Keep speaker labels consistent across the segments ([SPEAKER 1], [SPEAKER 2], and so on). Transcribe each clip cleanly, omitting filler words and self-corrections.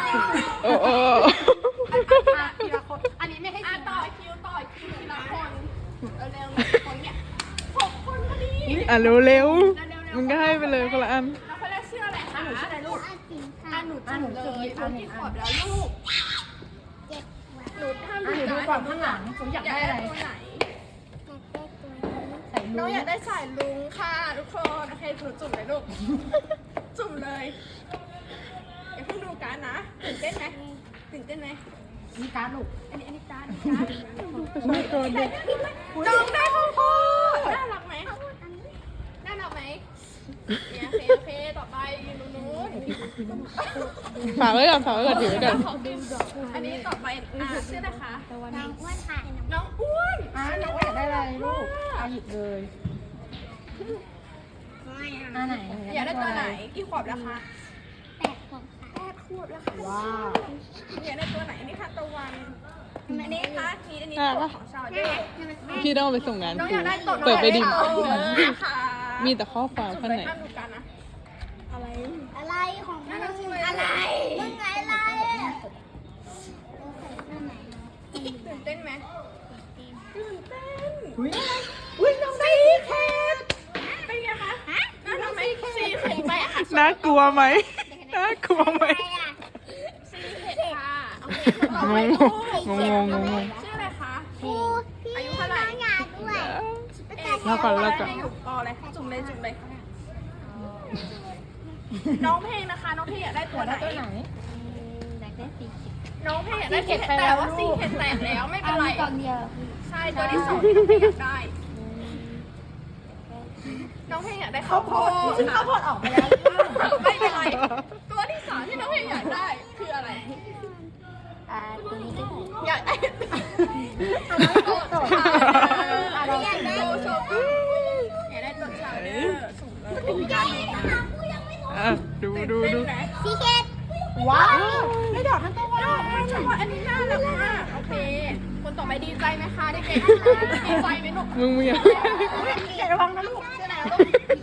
[SPEAKER 1] โอ้โอ้
[SPEAKER 2] ทีละคนอันนี้ไม่ให้ต่อคิวทีละคนเร็วๆคนเนี่ย6 คนพอดี
[SPEAKER 1] อ่ะเร็วๆมันก็ให้ไปเลยคนละอัน
[SPEAKER 2] แล้วคนแรกชื่ออะไรคะหนูชื่ออะไรลูกหนูเลยหนูกี่ขวบแล้วลูกหนูห้ามดูก่อนข้างหลังหนูอยากได้อะไรตัวไหนน้องอยากได้สายลุงค่ะทุกคนโอเคหนูจุ่มเลยลูกจุ่มเลยอย่าเพิ่งดูการนะตื่นเต้นไหมนี่การลูกอันนี้การน้องได้ข้าวโพดน่ารักไหมเนี่ยโอเคต่อไปนู้น
[SPEAKER 1] ฝากไว้ก่อนถือไว้ก่อน
[SPEAKER 2] อันนี้ต่อไปชื่อนะคะ
[SPEAKER 3] น้องอ้วนค่ะ
[SPEAKER 2] น้องอ้วนน้องอ้วนได้อะไรลูก
[SPEAKER 4] หยิบเลย
[SPEAKER 3] อันไหน
[SPEAKER 2] อยากได้ตัวไหนกี่ขวบแล้วคะ
[SPEAKER 3] 8 ขวบค่ะ
[SPEAKER 2] 8 ขวบแล้วค่ะ
[SPEAKER 4] ว้าว
[SPEAKER 2] อยากได้ตัวไหนอันนี้ค่ะตะวันอันนี้ค่ะอันนี้ตัวของชาวเดอร์
[SPEAKER 1] พี่ต้องเอาไปส่งงาน
[SPEAKER 2] น้อง
[SPEAKER 1] ครู
[SPEAKER 2] อยากได้ตัว
[SPEAKER 1] เปิดไปดิ
[SPEAKER 2] ค่ะ
[SPEAKER 1] มีแต่ข้อความ
[SPEAKER 2] จุ่ม
[SPEAKER 1] ข้าง
[SPEAKER 2] เล
[SPEAKER 1] ใน
[SPEAKER 2] ยห้ามดูกันนะอะไร
[SPEAKER 3] อะไรของมึงอะไรมึงอะไร
[SPEAKER 2] ตื่นเต้นไหมตื่นเต้น
[SPEAKER 4] อุ้ยน้องได้
[SPEAKER 2] ซีเคทเป็นไงคะน่ารักไหมซีเคทไปค่ะ
[SPEAKER 1] น่ากลัวไหม
[SPEAKER 3] อะไรอ่ะ
[SPEAKER 2] ซีเคทค่ะโอเคต่อไปลูก
[SPEAKER 1] งง
[SPEAKER 2] ชื่ออะไรคะ
[SPEAKER 3] ครูพี่
[SPEAKER 2] อายุเท่าไหร่
[SPEAKER 3] น้องอยากด้วย
[SPEAKER 1] แล้วก่อน
[SPEAKER 2] ให้อยู่ปอเลยจุ่มเลยน้องเพลงนะคะน้องเพลงอยากได้ตัวไหน
[SPEAKER 4] ตัวไหน
[SPEAKER 3] อยากได้สีเขียว
[SPEAKER 2] น้องเพลงอยากได้ซีเคทแต่ว่าซีเคทแตกแล้วไม่เป็นไร
[SPEAKER 3] กล่องเดียว
[SPEAKER 2] ใช่ตัวที่2ที่น้องเพลงอยากได้น้องเพลงอยากได้ข้าวโพด
[SPEAKER 4] ข้าวโพดออกไปแล้ว
[SPEAKER 2] ไม่เป็นไรตัวที่3ที่น้องเพลงอยากได้คืออะไร
[SPEAKER 3] ตัวนี้ก็ได้
[SPEAKER 2] อยากได้
[SPEAKER 3] อยากได้
[SPEAKER 2] โชว์อยากได้ตัวชาวเดอร์สูงเลยการ
[SPEAKER 1] อ่ะดู
[SPEAKER 3] สีเขต
[SPEAKER 4] ว้าวได้ดอกทั้งตัว
[SPEAKER 2] อันนี้น่ารักมากโอเคคนต่อไปดีใจไหมคะเด็กๆดีใจไหมลูก
[SPEAKER 1] มึงอย่า
[SPEAKER 4] เดี๋ยวระวังนะลูก
[SPEAKER 2] ชื่ออะไรลูก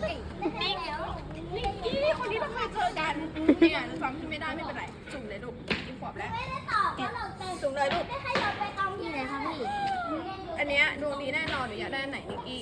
[SPEAKER 2] นิกกี้คนนี้เราเคยเจอกันเนี่ยจำที่ไม่ได้ไม่เป็นไรจุ่มเลยลูกกินขวบแล้ว
[SPEAKER 3] ไม่ได้ตอบเพราะเราเต็ม
[SPEAKER 2] จุ่มเลยลูก
[SPEAKER 3] ไม่ให้เราไปกองที่ไหนคะพี่
[SPEAKER 2] อันเนี้ยดวงดีแน่นอนหนูอยากได้อันไหนนิกกี้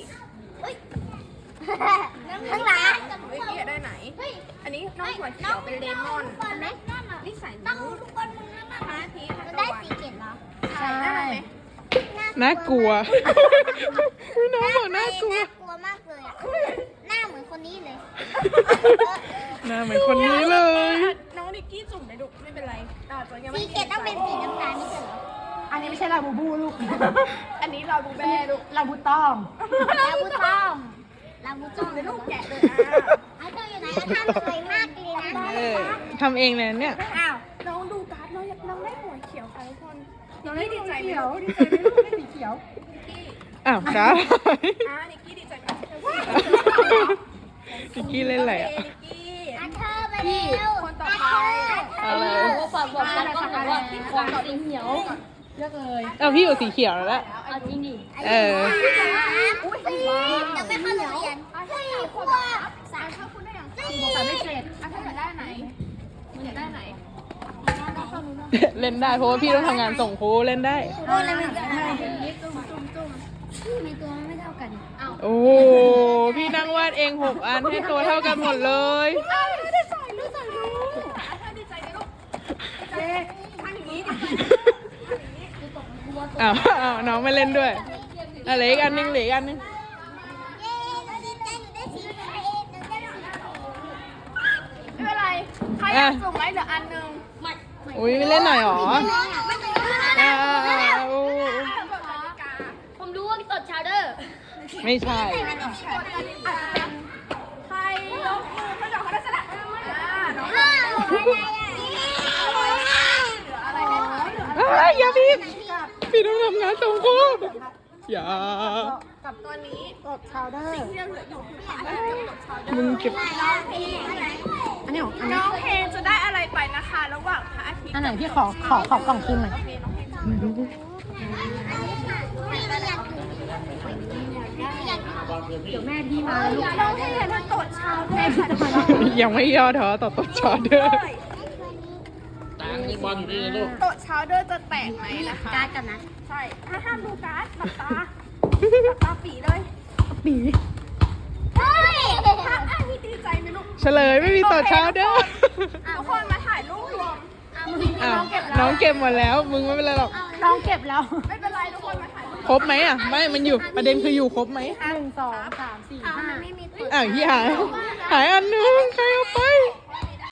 [SPEAKER 3] ข้างหลัง
[SPEAKER 2] นิกกี้อยากได้ไหน อันนี้น้องหัวเขียวเป็นเลมอน
[SPEAKER 3] ก่อนไหม
[SPEAKER 2] นี่ใส่
[SPEAKER 3] ต้อ
[SPEAKER 2] นิ้
[SPEAKER 3] ง
[SPEAKER 2] ว
[SPEAKER 3] ทุกคนมึงนะ
[SPEAKER 2] มาทีทัน
[SPEAKER 3] มัน
[SPEAKER 2] ตะ
[SPEAKER 3] ได้
[SPEAKER 2] วัน
[SPEAKER 3] สีเขียวเหรอ
[SPEAKER 2] ใช่ได้ไหม
[SPEAKER 1] น่ากลัวน้องบอกน่ากลัว
[SPEAKER 3] น่ากลัวมากเลยอ่ะหน้าเหมือนคนนี้เลย
[SPEAKER 1] หน้าเหมือนคนนี้เลย
[SPEAKER 2] น้องนิกกี้จุ่มเลยลูกไม่เป็นไรจะยัง
[SPEAKER 3] สี
[SPEAKER 2] ไม่
[SPEAKER 3] เขียวต้องเป็นสีน้ำตาลไม่ใช่เหรอ
[SPEAKER 4] อันนี้ไม่ใช่ลาบูบูลูก
[SPEAKER 2] อันนี้เราดูแม่ลูก
[SPEAKER 4] ลาบูต้อง
[SPEAKER 3] ลาบูต้อมลาบูต้อม
[SPEAKER 2] เลยลูกแกะเลย
[SPEAKER 3] เอาเธออยู่ไหนก็ทำสวยมากเลยนะ
[SPEAKER 1] เออทำเองเลยเนี่ย
[SPEAKER 3] อ้าว
[SPEAKER 2] น้องดูการ์ดน้องได้หัวเขียวค่ะทุกคนน้องได้ดีใจไหม
[SPEAKER 4] เขียว
[SPEAKER 2] ลูก
[SPEAKER 4] ดีใจไหมลูกได้สีเขียว
[SPEAKER 1] อ้าวจ้า
[SPEAKER 2] นิกกี้ดีใจไหม
[SPEAKER 1] นิกกี้เล่นอะไรอ่ะ
[SPEAKER 2] นิกกี้
[SPEAKER 3] อาเธอไปเร็ว
[SPEAKER 2] คนต่อไป
[SPEAKER 1] อะไร
[SPEAKER 3] บอกกันก็บอกว่าของสีเขียว
[SPEAKER 4] เลือกเลย
[SPEAKER 1] เอาพี่อยู่สีเขียวแล้วแหละ
[SPEAKER 3] เอาจริงดิ
[SPEAKER 1] เออ
[SPEAKER 3] อุ้ยยังไม่เข้าโรงเรียน4 ขวบ
[SPEAKER 2] สามเข้าคุณได้ยัง
[SPEAKER 4] แต่ไม่เสร็จ
[SPEAKER 2] ถ้าอยากได้ไหนมึงอยากได้ไหน
[SPEAKER 1] เล่นได้เพราะว่าพี่ต้องทำงานส่งครูเล่นได้
[SPEAKER 3] โอ้ยแล้วมันจะอะไรในตัวมันไม่เท่ากัน
[SPEAKER 1] โอ้พี่นั่งวาดเอง6 อันให้ตัวเท่ากันหมดเลย
[SPEAKER 2] ได้ใส่ลูกถ้าดีใจไหมลูกเจ๊ทำอย่างนี้ดีใจ
[SPEAKER 1] อ้าวน้องไม่เล่นด้วยเหลืออีกอันนึง
[SPEAKER 3] เย้หนูดีใจหนูได้สีเขียวหนูได้สีเขียว
[SPEAKER 2] ไม่เป็นไรใครอยากส่งไว้เหลืออันนึง
[SPEAKER 1] อุ้ยไม่เล่นหน่อยหรอ
[SPEAKER 3] ไม่เป็นไร
[SPEAKER 1] อ้าว
[SPEAKER 3] ผมรู้ว่าตดชาวเดอร์
[SPEAKER 1] ไม่ใช่
[SPEAKER 2] ใครยกมือเขาดอกเขาได้สลัดน้อง
[SPEAKER 3] อ้าว
[SPEAKER 2] เหลืออะไรไหมคะเหลือ
[SPEAKER 1] อย่าพี่ต้องทำงานส่งครูอย่า
[SPEAKER 2] กับตัวนี้
[SPEAKER 4] กดชาวเดอร์
[SPEAKER 2] ที่ยังเหลืออยู่คือพระอาทิตย์กับชาวเดอ
[SPEAKER 1] มึง
[SPEAKER 2] ร์
[SPEAKER 1] เก็บ
[SPEAKER 2] น้องเพลง
[SPEAKER 4] อันนี้ของอัน
[SPEAKER 2] น้
[SPEAKER 4] นี้
[SPEAKER 2] องเพลงจะได้อะไรไปนะคะ ระหว่างพระอาทิตย์
[SPEAKER 4] อันไหนพี่ขอกล่องคิมหน่อย
[SPEAKER 2] โอเคน้องเพลง
[SPEAKER 4] เดี๋ยวแม่พี่มาลูก
[SPEAKER 2] น้องเพลงมันตดเช้าแม่ค่ะ
[SPEAKER 1] ยังไม่ย่อท้อต่อต้นชอเดอร์
[SPEAKER 2] น
[SPEAKER 5] นี่บอลอยู่นี่เลยลูก
[SPEAKER 2] โต๊ะชาวเดอร์จะแตกไหมนะคะ
[SPEAKER 4] การ์ดกันนะ
[SPEAKER 2] ใช่ห้ามดูการ์ดหลับตาหลับตาปีเลย
[SPEAKER 1] ปี
[SPEAKER 3] เฮ้ย
[SPEAKER 2] พี่ดีใจไหมลูก
[SPEAKER 1] เฉลยไม่มีต่อเช้าเด้อ
[SPEAKER 2] ทุกคนมาถ่ายรูปรวม
[SPEAKER 1] อ้าวน้องเก็บหมดแล้ว มึงไม่เป็นไรหรอก
[SPEAKER 4] น้องเก็บแล้ว
[SPEAKER 2] ไม่เป็นไรทุกคนมาถ่ายรูป
[SPEAKER 1] ครบไหมอ่ะ ไม่ มันอยู่ ประเด็นคืออยู่ครบไหม
[SPEAKER 4] 1 2 3 4 5
[SPEAKER 3] ไม่มีตัว
[SPEAKER 1] อ้าวที่หาย หายอันนึง ใครเอาไป